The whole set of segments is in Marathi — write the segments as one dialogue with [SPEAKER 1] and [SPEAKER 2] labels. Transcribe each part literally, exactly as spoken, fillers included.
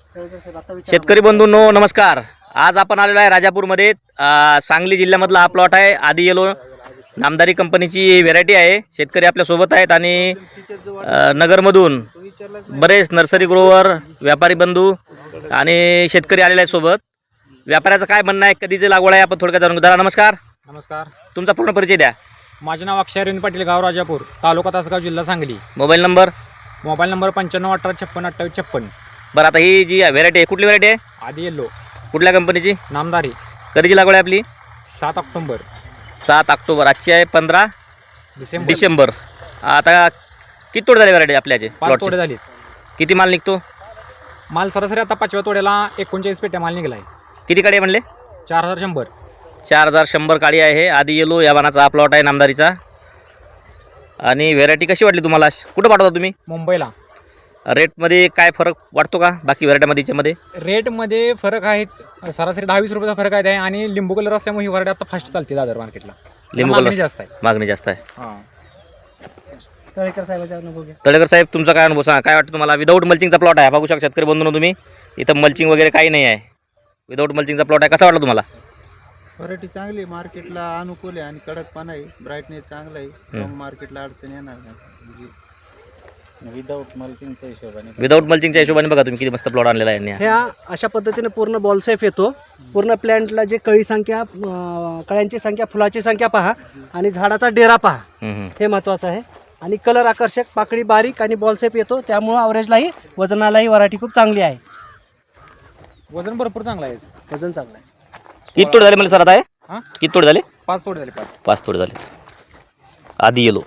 [SPEAKER 1] शेतकरी बंधूंनो नमस्कार। आज आपण आलेलो आहे राजापूरमध्ये। सांगली जिल्ह्यामधला हा प्लॉट आहे। आदी येलो नामदारी कंपनीची व्हेरायटी आहे। शेतकरी आपल्या सोबत आहेत आणि नगरमधून बरेच नर्सरी ग्रोवर व्यापारी बंधू आणि शेतकरी आलेले आहेत सोबत। व्यापाऱ्याचं काय म्हणणं आहे, कधीची लागवड आहे, आपण थोडक्यात जाणून घेऊ। दादा नमस्कार।
[SPEAKER 2] नमस्कार,
[SPEAKER 1] तुमचा पूर्ण परिचय द्या।
[SPEAKER 2] माझे नाव अक्षय अरविंद पाटील, गाव राजापूर, तालुका तासगाव, जिल्हा Sangli.
[SPEAKER 1] Mobile number
[SPEAKER 2] mobile number पंच्याण्णव अठरा छप्पन अठ्ठावीस छप्पन।
[SPEAKER 1] बरं, आता ही जी व्हेरायटी आहे कुठली व्हेरायटी आहे?
[SPEAKER 2] आदी येल्लो,
[SPEAKER 1] कुठल्या कंपनीची?
[SPEAKER 2] नामदारी।
[SPEAKER 1] कधीची लागवड आहे आपली?
[SPEAKER 2] सात ऑक्टोबर
[SPEAKER 1] सात ऑक्टोबर। आजची आहे पंधरा
[SPEAKER 2] डिसेंबर
[SPEAKER 1] डिसेंबर। आता किती तोडे झाले व्हेरायटी आपल्याचे?
[SPEAKER 2] पाच तोडे झालीत।
[SPEAKER 1] किती माल निघतो?
[SPEAKER 2] माल सरासरी आता पाचव्या तोड्याला एकोणचाळीस पेट्या माल निघाला आहे।
[SPEAKER 1] किती काडी म्हणले?
[SPEAKER 2] चार हजार शंभर
[SPEAKER 1] चार हजार शंभर काडी आहे। आदी येलो या बाणाचा हा प्लॉट आहे नामदारीचा। आणि व्हेरायटी कशी वाटली तुम्हाला? कुठं पाठवता तुम्ही?
[SPEAKER 2] मुंबईला।
[SPEAKER 1] रेटमध्ये काय फरक वाटतो का बाकी व्हेरायटीमध्ये? याच्यामध्ये
[SPEAKER 2] रेटमध्ये फरक आहे, सरासरी दहा वीस रुपयाचा फरक आहे। आणि लिंबू कलर असल्यामुळे ही व्हरायटी आता फास्ट चालते दादर मार्केटला।
[SPEAKER 1] लिंबू
[SPEAKER 2] मागणी
[SPEAKER 1] कलर
[SPEAKER 2] जास्त आहे।
[SPEAKER 1] मागणी जास्त आहे।
[SPEAKER 2] हां,
[SPEAKER 3] तळेकर साहेबाचा अनुभव घ्या.
[SPEAKER 1] तळेकर साहेब, तुमचा काय अनुभव सांगा? काय वाटतं तुम्हाला? विदाऊट मल्चिंगचा प्लॉट आहे, बघू शकता शेतकरी बंधूंनो तुम्ही। इथं मल्चिंग वगैरे काही नाही आहे, विदाऊट मल्चिंगचा प्लॉट आहे। कसा वाटला तुम्हाला?
[SPEAKER 3] व्हरायटी चांगली, मार्केटला अनुकूल आहे आणि कडकपणा आहे, ब्राईटनेस चांगला आहे, मार्केटला अडचण येणार नाही।
[SPEAKER 4] विदाऊट मल्चिंगच्या हिशोबाने
[SPEAKER 1] विदाऊट मल्चिंगच्या हिशोबाने बघा तुम्ही किती मस्त प्लॉट आणलेला आहे यांनी।
[SPEAKER 5] ह्या अशा पद्धतीने पूर्ण बॉल सेफ येतो। पूर्ण प्लॅन्टला जे कळी संख्या, अं, कळ्यांची संख्या, फुलाची संख्या पहा आणि झाडाचा डेरा पहा,
[SPEAKER 1] हम्म, हम्म.
[SPEAKER 5] हे महत्त्वाचं आहे। आणि कलर आकर्षक, पाकळी बारीक आणि बॉल सेफ येतो, त्यामुळं अवरेजलाही वजनालाही व्हरायटी खूप चांगली आहे।
[SPEAKER 2] वजन भरपूर चांगला आहे।
[SPEAKER 5] वजन चांगलं आहे।
[SPEAKER 1] किती तोडे झाले मला सर आता आहे?
[SPEAKER 2] हां,
[SPEAKER 1] किती तोडे झाले?
[SPEAKER 2] पाच तोडे झाले। पाच
[SPEAKER 1] पाच तोडे झाले। आदी येलो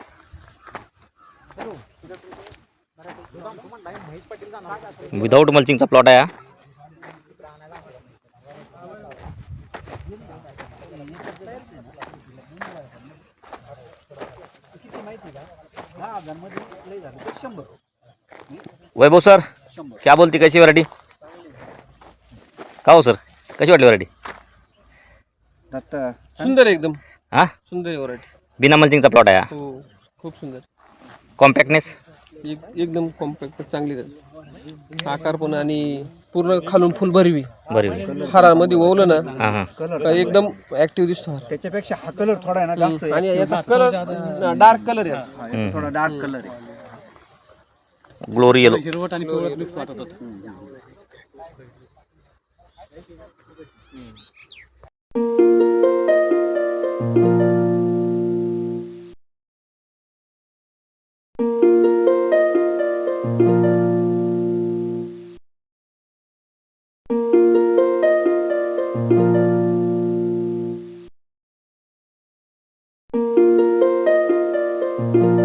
[SPEAKER 1] विदाऊट मल्चिंगचा प्लॉट आहे हा। वैभव सर, क्या बोलती, कैसी व्हरायटी? का हो सर, कशी वाटली व्हरायटी?
[SPEAKER 6] सुंदर आहे एकदम।
[SPEAKER 1] हां,
[SPEAKER 6] सुंदर आहे व्हरायटी।
[SPEAKER 1] बिना मल्चिंगचा प्लॉट आहे हा।
[SPEAKER 6] हो, खूप सुंदर।
[SPEAKER 1] कॉम्पॅक्टनेस
[SPEAKER 6] एक एकदम कॉम्पॅक्ट, चांगली झाली। आकार पण आणि पूर्ण खालून फुल भरवी
[SPEAKER 1] बरी
[SPEAKER 6] हारामध्ये ओवलं ना
[SPEAKER 1] हां हां
[SPEAKER 6] का एकदम ऍक्टिव्ह दिसतो हार।
[SPEAKER 3] त्याच्यापेक्षा हा कलर थोडा आहे ना जास्त आहे.
[SPEAKER 6] आणि याचा कलर डार्क कलर आहे।
[SPEAKER 3] हा, थोडा डार्क कलर आहे।
[SPEAKER 1] ग्लोरी येलो
[SPEAKER 2] हिरवट आणि पिवळट मिक्स वाटत होतं।
[SPEAKER 7] Thank you.